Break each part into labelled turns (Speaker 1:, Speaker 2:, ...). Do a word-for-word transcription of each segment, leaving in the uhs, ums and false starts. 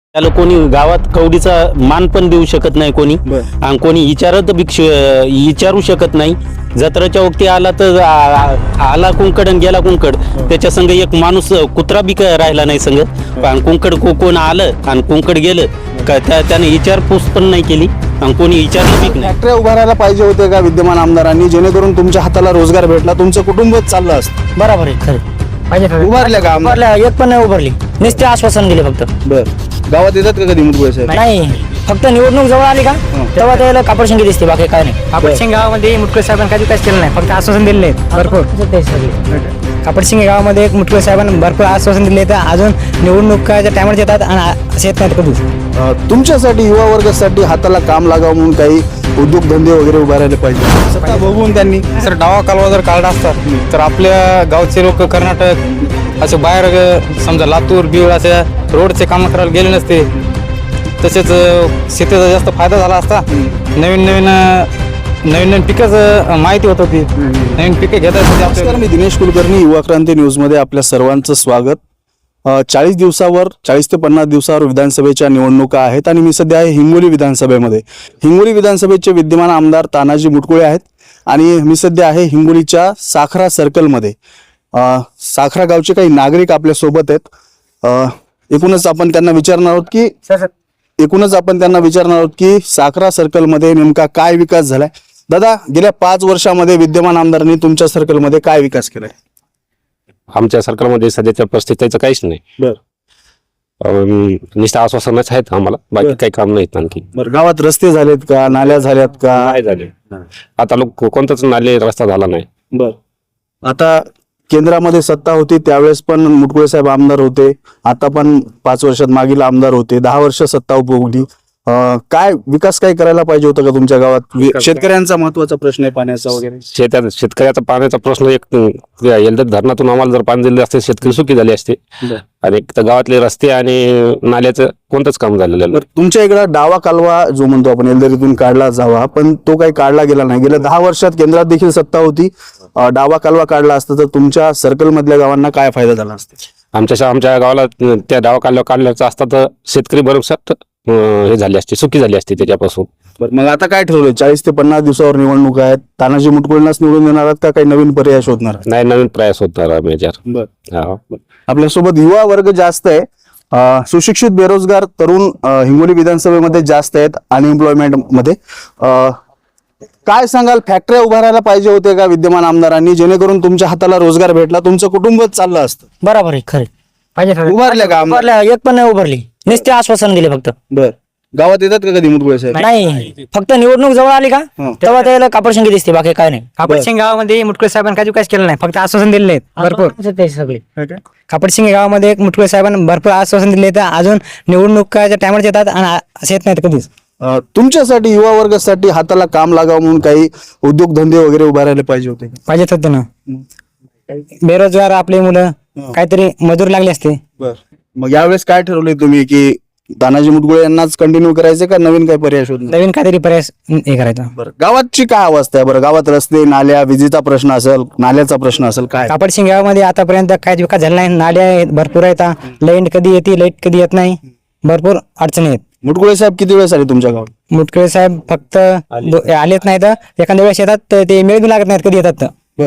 Speaker 1: त्याला कोणी गावात कवडीचा मान पण देऊ शकत नाही कोणी आणि कोणी विचारत विचारू शकत नाही. जत्राच्या वक्ती आला तर आला कुंकड आणि गेला कुंकड. त्याच्या संग एक माणूस कुत्रा बी राहिला नाही संग. आणि कुंकड कोण आलं आणि कुंकड गेलं का त्याने विचारपूस पण नाही केली आणि कोणी विचारलं बी नाही.
Speaker 2: फॅक्टरी उभारायला पाहिजे होते का विद्यमान आमदारांनी, जेणेकरून तुमच्या हाताला रोजगार भेटला, तुमचं कुटुंबच चाललं असतं?
Speaker 3: बरोबर आहे, खरं पाहिजे.
Speaker 2: उभारल्या का आमदार?
Speaker 3: उभारल्या, एक पण नाही उभारली, नुसते आश्वासन दिले फक्त.
Speaker 2: बर, गावात येतात का कधी मुटकुळे साहेब?
Speaker 3: नाही, फक्त निवडणूक जवळ आली का तेव्हा त्याला कापड शिंगे दिसते, बाकी काय नाही.
Speaker 4: कापड शिंगे गावामध्ये मुटकुळे साहेबांनी काही विकास केला नाही, फक्त आश्वासन दिले आहेत भरपूर. कापड शिंगे गावामध्ये एक मुटकुळे साहेबांनी भरपूर आश्वासन दिले तर अजून निवडणुकाच्या टायमावर येतात आणि असे येत नाहीत कधीच.
Speaker 2: तुमच्यासाठी, युवा वर्गासाठी हाताला काम लागावं म्हणून काही उद्योगधंदे वगैरे उभारायला पाहिजे. सत्ता बघून त्यांनी
Speaker 4: सर डावा कालवा जर काढला असतात तर आपल्या गावचे लोक कर्नाटक असे बाहेर समजा लातूर बीड अशा रोडचे काम करायला गेले नसते. तसेच शेतीचा जास्त फायदा झाला असता. नवीन नवीन नवीन नवीन पिकाचं माहिती होत होती, नवीन पिके घेता येत.
Speaker 2: नमस्कार, मी दिनेश कुलकर्णी, युवा क्रांती न्यूजमध्ये आपल्या सर्वांचं स्वागत. चाळीस दिवसावर चाळीस ते पन्नास दिवसावर विधानसभेच्या निवडणुका आहेत आणि मी सध्या आहे हिंगोली विधानसभेमध्ये. हिंगोली विधानसभेचे विद्यमान आमदार तानाजी मुटकुळे आहेत आणि मी सध्या आहे हिंगोलीच्या साखरा सर्कलमध्ये. साखरा गावचे काही नागरिक आपल्या सोबत आहेत. एकूणच आपण त्यांना विचारणार आहोत की एकूणच आपण त्यांना विचारणार आहोत की साखरा सर्कलमध्ये नेमका काय विकास झालाय. दादा, गेल्या पाच वर्षामध्ये विद्यमान आमदारांनी तुमच्या सर्कलमध्ये काय विकास केलाय?
Speaker 5: आमच्या सर्कलमध्ये सध्याच्या परिस्थितीचं काहीच नाही.
Speaker 2: बरं,
Speaker 5: निष्ठ आश्वासनच आहेत आम्हाला, बाकी काही काम नाहीत आणखी.
Speaker 2: बरं, गावात रस्ते झालेत का, नाल्या झाल्यात का?
Speaker 5: काय झाले आता लोक कोणताच नाले रस्ता झाला नाही.
Speaker 2: बर, आता केंद्रामध्ये सत्ता होती त्यावेळेस पण मुटकुळे साहेब आमदार होते, आता पण पाच वर्षात मागील आमदार होते, दहा वर्ष सत्ता उपभोगली. काय विकास काय करायला पाहिजे होतं का तुमच्या गावात? शेतकऱ्यांचा महत्वाचा प्रश्न आहे पाण्याचा वगैरे.
Speaker 5: शेतात शेतकऱ्याचा पाण्याचा प्रश्न एक येलदर धरणातून आम्हाला जर पाणी दिले असते शेतकरी सुखी झाले असते. आणि गावातले रस्ते आणि नाल्याचं कोणतंच काम झालेलं नाही.
Speaker 2: तुमच्या इकडं डावा कालवा जो म्हणतो आपण एलदरीतून काढला जावा, पण तो काही काढला गेला नाही. गेल्या दहा वर्षात केंद्रात देखील सत्ता होती, डावा कालवा काढला असता तर तुमच्या सर्कल मधल्या गावांना काय फायदा झाला असता?
Speaker 5: आमच्या आमच्या गावाला त्या डावा कालवा काढल्याचा असता तर शेतकरी भरमसाठ हे झाले असते, सुखी झाली असते त्याच्यापासून.
Speaker 2: बरं, मग आता काय ठरवलंय? चाळीस ते पन्नास दिवसावर निवडणूक आहेत, तानाजी मुटकुळेंनाच निवडून देणार आहात का काही नवीन पर्याय शोधणार?
Speaker 5: नाही, नवीन प्रयास होणार आम्ही याच्यावर.
Speaker 2: बरं, आपल्यासोबत युवा वर्ग जास्त आहे, सुशिक्षित बेरोजगार तरुण हिंगोली विधानसभेमध्ये जास्त आहेत अनएम्प्लॉयमेंट मध्ये. काय सांगाल, फॅक्टऱ्या उभारायला पाहिजे होते का विद्यमान आमदारांनी, जेणेकरून तुमच्या हाताला रोजगार भेटला, तुमचं कुटुंबच चाललं असतं?
Speaker 3: बरोबर आहे, खरं पाहिजे.
Speaker 2: उभारल्या का आमदार?
Speaker 3: उभारल्या, एक पण नाही उभारली, नुसते आश्वासन दिले फक्त.
Speaker 2: बर, गावात येतात का कधी मुटकुळे साहेब?
Speaker 3: नाही, फक्त निवडणूक जवळ आली का तेव्हा त्याला कापड शिंगे दिसते, बाकी काय नाही.
Speaker 4: कापड शिंगे गावामध्ये मुटकुळे साहेबांनी काही विकास केला नाही, फक्त आश्वासन दिले आहेत भरपूर.
Speaker 3: ते सगळे
Speaker 4: कापड शिंगे गावामध्ये एक मुटकुळे साहेबांनी भरपूर आश्वासन दिले तर अजून निवडणुकाच्या टायमावर येतात आणि असे येत नाहीत कधीच.
Speaker 2: तुमच्यासाठी, युवा वर्गासाठी हाताला काम लागावं म्हणून काही उद्योगधंदे वगैरे उभारायला पाहिजे होते?
Speaker 4: पाहिजेत होते ना. बेरोजगार आपले मुलं काहीतरी मजूर लागले असते.
Speaker 2: बर, मग यावेळेस काय ठरवलंय तुम्ही की तानाजी मुटकुळे यांनाच कंटिन्यू करायचं का नवीन काही पर्याय शोधणार?
Speaker 4: नवीन काहीतरी पर्याय हे करायचा.
Speaker 2: बरं, गावाची काय अवस्था आहे? बरं, गावात रस्ते, नाल्या, विजेचा प्रश्न असेल, नाल्याचा प्रश्न असेल, काय?
Speaker 4: कापड शिंगे गावामध्ये आतापर्यंत काहीच विकास झाला नाही. नाल्या भरपूर आहेत, लाईट कधी येते, लाईट कधी येत नाही, भरपूर अडचणी आहेत.
Speaker 2: मुटकुळे साहेब किती वेळेस आले तुमच्या गावात?
Speaker 4: मुटकुळे साहेब फक्त आलेच नाही तर एखाद्या वेळेस येतात तर ते मिळून लागत नाहीत कधी येतात तर.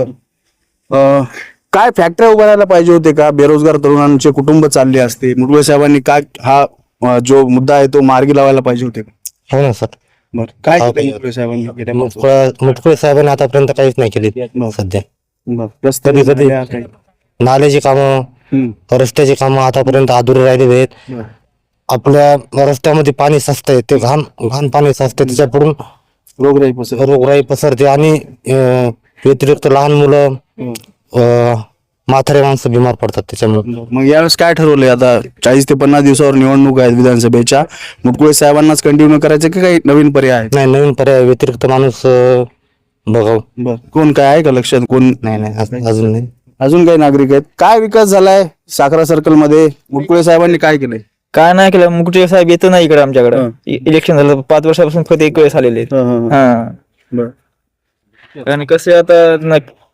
Speaker 2: बर, काय फॅक्टऱ्या उभारायला पाहिजे होते का? बेरोजगार तरुणांचे कुटुंब चालले असते, मुटकुळे साहेबांनी काय हा जो मुद्दा आहे तो मार्गी लावायला पाहिजे होते का?
Speaker 6: हो ना सर.
Speaker 2: बरं, काय केलं मुटकुळे साहेबांनी?
Speaker 6: मुटकुळे साहेबांनी आतापर्यंत काहीच नाही केले सध्या.
Speaker 2: रस्ते,
Speaker 6: कधी कधी
Speaker 2: नाल्या, काही?
Speaker 6: नाल्याची कामं,
Speaker 2: हम्म.
Speaker 6: रस्त्याची कामं आतापर्यंत अधुरे राहिलेले आहेत. आपल्या रस्त्यामध्ये पाणी साचतंय, ते घाण घाण पाणी साचतंय, त्याच्याकडून
Speaker 2: रोगराई पसरते.
Speaker 6: रोगराई पसरते आणि अं, व्यतिरिक्त लहान मुलं, अं, म्हातारे माणसं बिमार पडतात त्याच्यामुळे.
Speaker 2: मग यावेळेस काय ठरवलंय? आता चाळीस ते पन्नास दिवसावर निवडणूक आहेत विधानसभेच्या, मुटकुळे साहेबांनाच कंटिन्यू करायचं की काही नवीन पर्याय आहेत?
Speaker 6: नाही, नवीन पर्याय व्यतिरिक्त माणूस अं, बघाव.
Speaker 2: बर, कोण काय आहे का लक्षात? कोण
Speaker 6: नाही नाही अजून अजून नाही.
Speaker 2: अजून काही नागरिक आहेत? काय विकास झालाय साखरा सर्कल मध्ये? मुटकुळे साहेबांनी काय केलंय?
Speaker 7: काय नाही केलं. मुकुटे साहेब येत नाही इकडे आमच्याकडे. इलेक्शन झालं पाच वर्षापासून फक्त एक वेळेस आलेले.
Speaker 2: बर,
Speaker 7: आणि कसं आता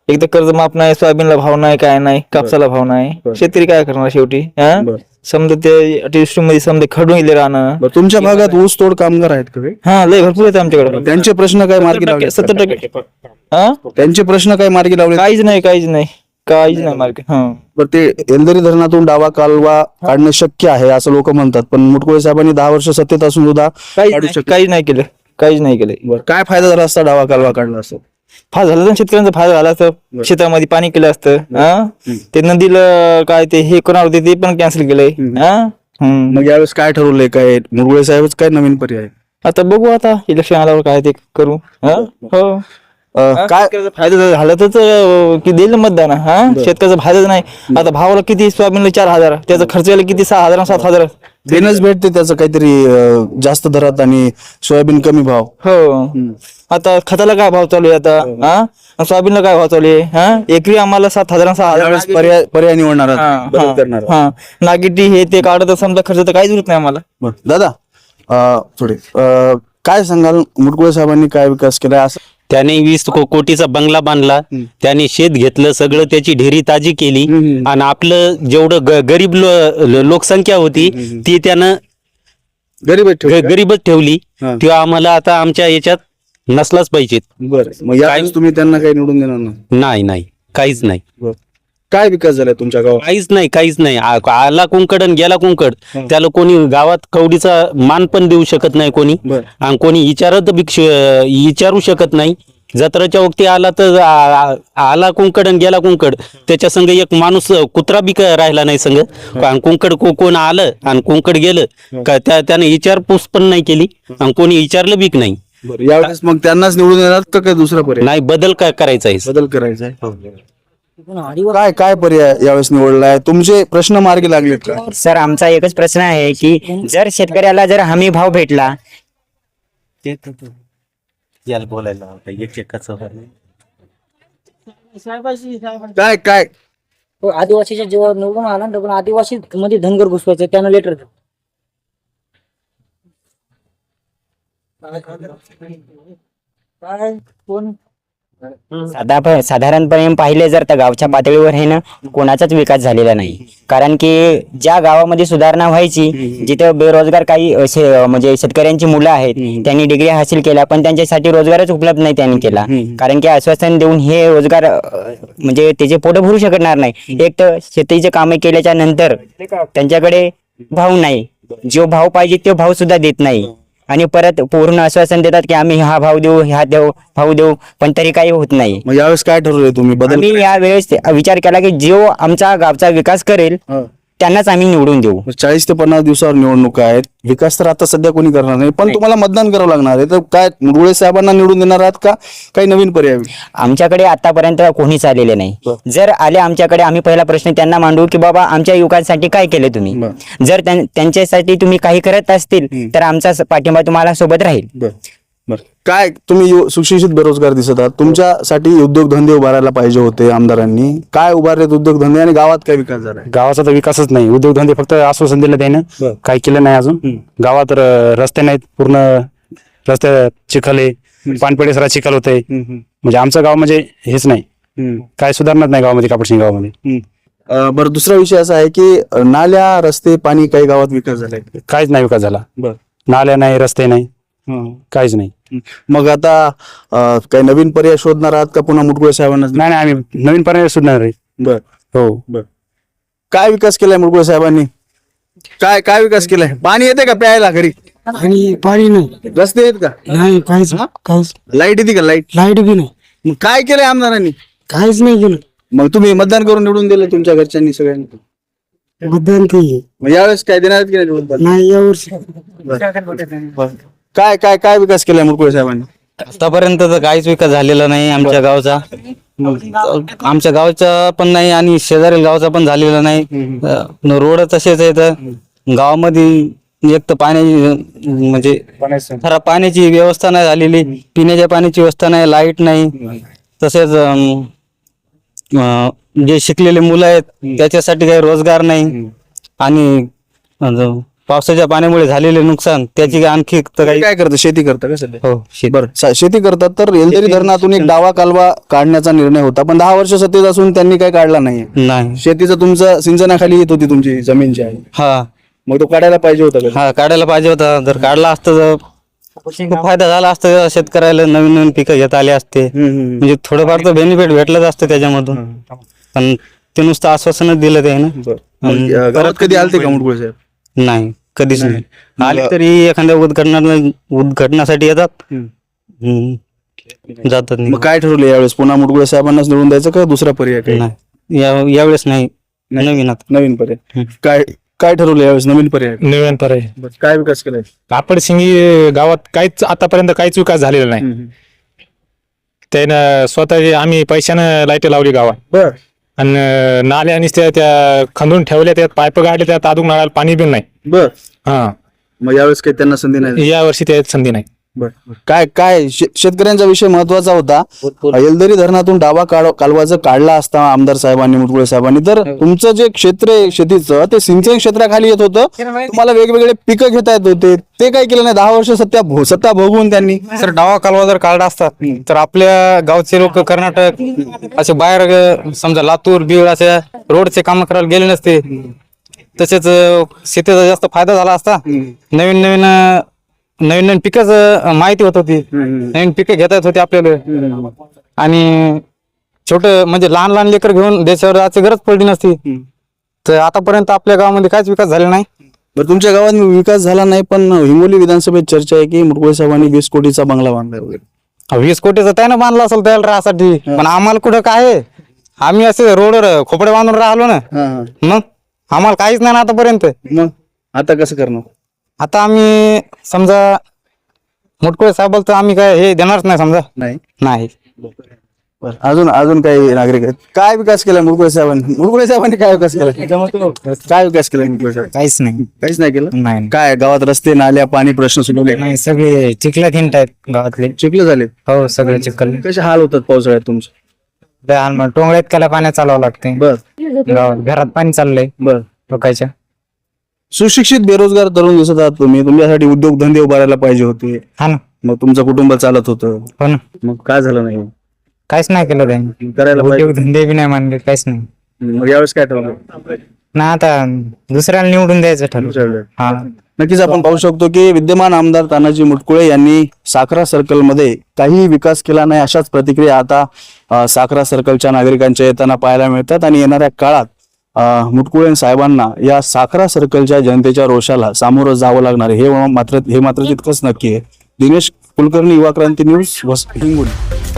Speaker 7: एक तर कर्ज माफ नाही, सोयाबीनला भाव नाही, काय नाही, कापसाला भाव नाही. शेतकरी काय करणार शेवटी? हा समजा ते अतिवृष्टी मध्ये समजा खडून गेले राहणं.
Speaker 2: बरं, तुमच्या भागात ऊस तोड कामगार आहेत का काही?
Speaker 7: हा लय भरपूर येते आमच्याकडे.
Speaker 2: त्यांचे प्रश्न काय मार्गी लावले?
Speaker 7: सत्तर टक्के हा
Speaker 2: त्यांचे प्रश्न काय मार्गी लावले?
Speaker 7: काहीच नाही, काहीच नाही, काहीच नाही मार्केट. हा
Speaker 2: बरं, ते एलदरी धरणातून डावा कालवा काढणं शक्य आहे असं लोक म्हणतात, पण मुटकुळे साहेबांनी दहा वर्ष सत्तेत असून सुद्धा
Speaker 7: काहीच
Speaker 2: काढू
Speaker 7: नाही,
Speaker 2: शकत
Speaker 7: काहीच नाही केलं, काहीच नाही केलं.
Speaker 2: बरं, काय फायदा झाला असता डावा कालवा काढला असं?
Speaker 7: फायदा झाला तर शेतकऱ्यांचा फायदा झाला असतं. शेतामध्ये पाणी केलं असतं. हा ते नदीला काय ते हे करणार होते ते पण कॅन्सल केलंय. हा हम्म.
Speaker 2: मग यावेळेस काय ठरवलंय? काय मुरगुळे साहेबच काय नवीन पर्याय?
Speaker 7: आता बघू, आता इलेक्शन आल्यावर काय ते करू. हा हो
Speaker 2: अं, काय
Speaker 7: शेतकऱ्याचा फायदा जर झाला तर अं, की देईल ना मतदान. हा शेतकऱ्याचा फायदाच नाही. आता भावाला किती सोयाबीनला चार हजार, त्याचा खर्च यायला किती सहा हजार सात हजार.
Speaker 2: देणंच भेटते त्याचं काहीतरी अं, जास्त दरात आणि सोयाबीन कमी भाव.
Speaker 7: हो आता खताला काय भाव चालू आहे आता? हा सोयाबीनला काय भाव चालू आहे? हा एकरी आम्हाला सात हजार सहा
Speaker 2: यावेळेस
Speaker 7: हजार.
Speaker 2: पर्याय पर्याय निवडणार आहात,
Speaker 7: हा,
Speaker 2: बदल करणार आहात.
Speaker 7: हा नागिटी हे ते काढत समजा खर्च तर काहीच उरत नाही आम्हाला.
Speaker 2: बरं, दादा अं, थोडे अं, काय सांगाल मुटकुळे साहेबांनी काय विकास केलाय असं?
Speaker 1: त्याने वीस को- कोटीचा बंगला बांधला, त्याने शेत घेतलं, सगळं त्याची ढेरी ताजी केली आणि आपलं जेवढं ग- गरीब लो- लो- लोकसंख्या होती ती त्यानं
Speaker 2: गरीब आहेत ठेवले का?
Speaker 1: ग- गरीबच ठेवली.
Speaker 2: हा.
Speaker 1: ती आम्हाला आता आमच्या याच्यात नसलाच पाहिजेत.
Speaker 2: बरं, मग यावेळेस तुम्ही त्यांना काही निवडून देणार नाही?
Speaker 1: नाही नाही काहीच नाही,
Speaker 2: बरं. काय विकास झालाय तुमच्या गावात?
Speaker 1: काहीच नाही, काहीच नाही. आ- आला कुंकड आणि गेला कुंकड. त्याला कोणी गावात कवडीचा मान पण देऊ शकत नाही कोणी,
Speaker 2: बरं.
Speaker 1: आणि कोणी विचारत भिक्ष विचारू शकत नाही. जत्राच्या वक्ती आला तर आ- आ- आला कुंकड आणि गेला कुंकड. त्याच्या संग एक माणूस कुत्रा बी क- राहिला नाही संग. आणि कुंकड को- कोण आलं आणि कुंकड गेलं का त्या त्याने विचारपूस पण नाही केली आणि कोणी विचारलं बीक नाही.
Speaker 2: बरं, यावेळेस मग त्यांनाच निवडून देणार का काय दुसरा पर्याय?
Speaker 1: नाही, बदल काय करायचा आहे?
Speaker 2: बदल करायचा आहे. काय काय पर्याय यावेळेस निवडलाय? तुमचे प्रश्न मार्गी लागलेत का?
Speaker 3: सर आमचा एकच प्रश्न आहे की जर शेतकऱ्याला जर हमी भाव भेटला
Speaker 1: याला बोलायला
Speaker 2: काय काय
Speaker 3: आदिवासीच्या जेव्हा निवडून आला ना पण आदिवासी मध्ये धनगर घुसवायचं त्यानं लेटर साधा साधारणपणे पाहिले जर तर गावच्या पातळीवर आहे ना कोणाचाच विकास झालेला नाही. कारण की ज्या गावामध्ये सुधारणा व्हायची जिथे बेरोजगार काही असे म्हणजे शेतकऱ्यांची मुलं आहेत त्यांनी डिग्री हासिल केल्या पण त्यांच्यासाठी रोजगारच उपलब्ध नाही त्यांनी केला. कारण की आश्वासन देऊन हे रोजगार अ, म्हणजे त्याचे पोट भरू शकणार नाही. एक तर शेतीचे कामे केल्याच्या नंतर त्यांच्याकडे भाव नाही, जो भाव पाहिजे तो भाव सुद्धा देत नाही आणि परत पूर्ण आश्वासन देतात की आम्ही हा भाव देऊ ह्या देऊ भाव देऊ पण तरी काही होत नाही.
Speaker 2: मग यावेळेस काय ठरवलंय तुम्ही? बदल
Speaker 3: आम्ही या वेळेस विचार केला की जो आमचा गावचा विकास करेल
Speaker 2: हा.
Speaker 3: त्यांनाच आम्ही निवडून देऊ.
Speaker 2: चाळीस ते पन्नास दिवसावर निवडणुका आहेत. विकास तर आता सध्या कोणी करणार नाही, पण तुम्हाला मतदान करावं लागणार आहे. तर काय मुरगुळे साहेबांना निवडून देणार आहात का काही नवीन पर्याय?
Speaker 3: आमच्याकडे आतापर्यंत कोणीच आलेले नाही. जर आले आमच्याकडे आम्ही पहिला प्रश्न त्यांना मांडू की बाबा आमच्या युवकांसाठी काय केले तुम्ही. जर त्यां- त्यांच्यासाठी तुम्ही काही करत असतील तर आमचा स- पाठिंबा तुम्हाला सोबत राहील.
Speaker 2: बरं बरं. काय तुम्ही यु- सुशिक्षित बेरोजगार दिसत आहात, तुमच्यासाठी उद्योगधंदे उभारायला पाहिजे होते आमदारांनी. काय उभारलेत उद्योगधंदे आणि गावात काय विकास झालाय?
Speaker 5: गावाचा तर विकासच नाही. उद्योगधंदे फक्त आश्वासन दिलं त्यानं, काही केलं नाही अजून. गावात र- रस्ते नाहीत, पूर्ण रस्ते चिखल आहे, पानपेढे सरा चिखल होते. म्हणजे आमचं गाव म्हणजे हेच नाही, काय सुधारणाच नाही गावामध्ये, कापडसिंग गावामध्ये.
Speaker 2: अं, बरं, दुसरा विषय असा आहे की अं, नाल्या रस्ते पाणी काही गावात विकास झालाय?
Speaker 5: काहीच नाही विकास झाला.
Speaker 2: बरं.
Speaker 5: नाल्या नाही, रस्ते नाही, काहीच नाही.
Speaker 2: मग आता अं, काही नवीन पर्याय शोधणार आहात का पुन्हा मुटकुळे साहेबांना?
Speaker 5: नाही नाही, आम्ही नवीन पर्याय सुधारणार आहे.
Speaker 2: बर
Speaker 5: हो.
Speaker 2: बर. काय विकास केलाय मुटकुळे साहेबांनी? काय काय विकास केलाय? पाणी येते का प्यायला घरी?
Speaker 8: आणि पाणी नाही,
Speaker 2: रस्ते आहेत का?
Speaker 8: नाही काहीच काहीच
Speaker 2: लाईट येते का? लाईट
Speaker 8: लाईट बी नाही,
Speaker 2: मग काय केलंय आमदारांनी?
Speaker 8: काहीच नाही केलं.
Speaker 2: मग तुम्ही मतदान करून निवडून दिलं तुमच्या घरच्यांनी सगळ्यांनी?
Speaker 8: मतदान काही
Speaker 2: मग यावेळेस काय देणार आहेत की नाही निवडून?
Speaker 8: नाही यावर्षी.
Speaker 2: काय काय काय विकास केलाय मुटकुळे साहेबांनी?
Speaker 4: आतापर्यंत तर काहीच विकास झालेला नाही आमच्या गावचा. आमच्या गावचा पण नाही आणि शेजारील गावचा पण झालेला नाही. अं, रोड तसेच आहेत गावामध्ये. एक तर पाण्याची म्हणजे खराब पाण्याची व्यवस्था नाही झालेली, पिण्याच्या पाण्याची व्यवस्था नाही, लाईट नाही. तसेच अं, अं, जे शिकलेले मुलं आहेत त्याच्यासाठी काही रोजगार नाही आणि अं, पावसाच्या पाण्यामुळे झालेले नुकसान त्याची आणखी तर काही
Speaker 2: काय करतं, शेती करतं का सध्या?
Speaker 4: हो शेत
Speaker 2: बरं सा- शेती करतात तर येलदरी धरणातून एक डावा कालवा काढण्याचा निर्णय होता, पण दहा वर्ष सत्तेत असून त्यांनी काही काढला नाही.
Speaker 4: नाही.
Speaker 2: शेतीचं तुमचं सिंचनाखाली येत होती तुमची जमीन जी आहे,
Speaker 4: हा
Speaker 2: मग तो काढायला पाहिजे होता का?
Speaker 4: हा काढायला पाहिजे होता. जर काढला असतं तर खूप फायदा झाला असता शेतकऱ्याला, नवीन नवीन पिकं घेता आले असते.
Speaker 2: हम्म, हम्म.
Speaker 4: म्हणजे थोडंफार तर बेनिफिट भेटलंच असतं त्याच्यामधून, पण ते नुसतं आश्वासनच दिलं ते ना.
Speaker 2: बरं. मग, अं, गावात कधी आलते का मुटकुळे साहेब?
Speaker 4: नाही, कधीच नाही आले. तरी एखाद्या उद्घटना उद्घटनासाठी येतात, हम्म. जातात
Speaker 2: मग
Speaker 4: नाही.
Speaker 2: काय ठरवलं यावेळेस, पुन्हा मुटकुळे साहेबांनाच निवडून द्यायचं का दुसरा पर्याय काही?
Speaker 4: नाही. या- यावेळेस नाही, नवीन आता.
Speaker 2: नवीन पर्याय काय काय ठरवलं यावेळेस, नवीन पर्याय?
Speaker 9: नवीन पर्याय
Speaker 2: बरं. काय विकास केलाय?
Speaker 9: कापडसिंगी गावात काहीच आतापर्यंत काहीच विकास झालेला नाही. त्यानं स्वतः आम्ही पैशानं लाईट लावली गावात,
Speaker 2: बर
Speaker 9: आणि नाल्या आणि त्या त्या खंदून ठेवल्या, त्यात पाईप गाडले, त्यात अजून नळाला पाणी बिन नाही.
Speaker 2: बर
Speaker 9: हा,
Speaker 2: मग यावेळेस काही त्यांना संधी नाही?
Speaker 9: या वर्षी त्यात संधी नाही.
Speaker 2: बर काय काय शे- शेतकऱ्यांचा विषय महत्वाचा होता. येलदरी धरणातून डावा काढ- कालवा जर काढला असता आमदार साहेबांनी, मुटकुळे साहेबांनी, तर तुमचं जे क्षेत्र आहे शेतीचं ते सिंचन क्षेत्राखाली येत होतं. तुम्हाला वेगवेगळे पिकं घेता येत होते. ते काय केलं नाही. दहा वर्ष सत्ता भो- सत्ता भोगून त्यांनी.
Speaker 4: सर डावा कालवा जर काढला असतात तर आपल्या गावचे लोक कर्नाटक असे बाहेर ग- समजा लातूर बीड अशा रोडचे काम करायला गेले नसते. तसेच अं, शेतीचा जास्त फायदा झाला असता. नवीन नवीन अं, नवीन नवीन पिकाचं माहिती होत होती, नवीन पिकं घेता येत होती आपल्याला, आणि छोट म्हणजे लहान लहान लेकर घेऊन देशावर जायची गरज पडली नसती. तर आतापर्यंत आपल्या गावामध्ये काहीच विकास झाला नाही.
Speaker 2: बरं तुमच्या गावात विकास झाला नाही, पण हिंगोली विधानसभेत चर्चा आहे की मुटकुळे साहेबांनी वीस कोटीचा बंगला बांधलाय वगैरे.
Speaker 4: वीस कोटीचं त्यानं बांधला असेल त्याला राहण्यासाठी, पण आम्हाला कुठं काय आहे? आम्ही असे रोडवर खोपडे बांधून राहिलो ना,
Speaker 2: हा, हा.
Speaker 4: मग आम्हाला काहीच नाही ना आतापर्यंत.
Speaker 2: मग आता कसं करणार?
Speaker 4: आता आम्ही समजा मुटकुळे साहेबाला तर आम्ही काय हे देणारच नाही समजा.
Speaker 2: नाही.
Speaker 4: नाही.
Speaker 2: बरं. अजून अजून काही नागरिक आहेत, काय विकास केला मुटकुळे साहेबांनी? मुटकुळे साहेबांनी काय विकास केला? काय विकास केला मुटकुळे साहेब?
Speaker 3: काहीच नाही.
Speaker 2: काहीच नाही केलं.
Speaker 3: नाही
Speaker 2: काय गावात रस्ते नाल्या पाणी प्रश्न सुटवले?
Speaker 3: नाही, सगळे चिखलात हिंट आहेत गावातले.
Speaker 2: चिखले झाले.
Speaker 3: हो, सगळे चिखल.
Speaker 2: कसे हाल होतात पावसाळ्यात तुमचे?
Speaker 3: टोंगळ्यात त्याला पाण्यात चालवावं लागते.
Speaker 2: बर
Speaker 3: गावात घरात पाणी चाललंय
Speaker 2: बर
Speaker 3: लोकांच्या.
Speaker 2: सुशिक्षित बेरोजगार तरुण दिसत आहात तुम्ही. तुमच्यासाठी उद्योगधंदे उभारायला पाहिजे होते,
Speaker 3: हा ना.
Speaker 2: मग तुमचं कुटुंब चालत होतं,
Speaker 3: हो ना.
Speaker 2: मग काय झालं नाही?
Speaker 3: काहीच नाही केलं त्यांनी.
Speaker 2: करायला पाहिजे.
Speaker 3: उद्योग धंदे बी नाही मानले, काहीच नाही.
Speaker 2: मग यावेळेस काय ठरवलं?
Speaker 3: ना आता दुसऱ्याला निवडून द्यायचं ठरवलं. हा.
Speaker 2: नक्कीच आपण पाहू शकतो की विद्यमान आमदार तानाजी मुटकुळे यांनी साखरा सर्कलमध्ये काही विकास केला नाही, अशाच प्रतिक्रिया आता अ, साखरा सर्कलच्या नागरिकांच्या येताना पाहायला मिळतात. आणि येणाऱ्या काळात अ, मुटकुळे साहेबांना या साखरा सर्कलच्या जनतेच्या रोषाला सामोरं जावं लागणार आहे, हे मात्र हे मात्र तितकंच नक्की आहे. दिनेश कुलकर्णी, युवा क्रांती न्यूज, वस- हिंगोली.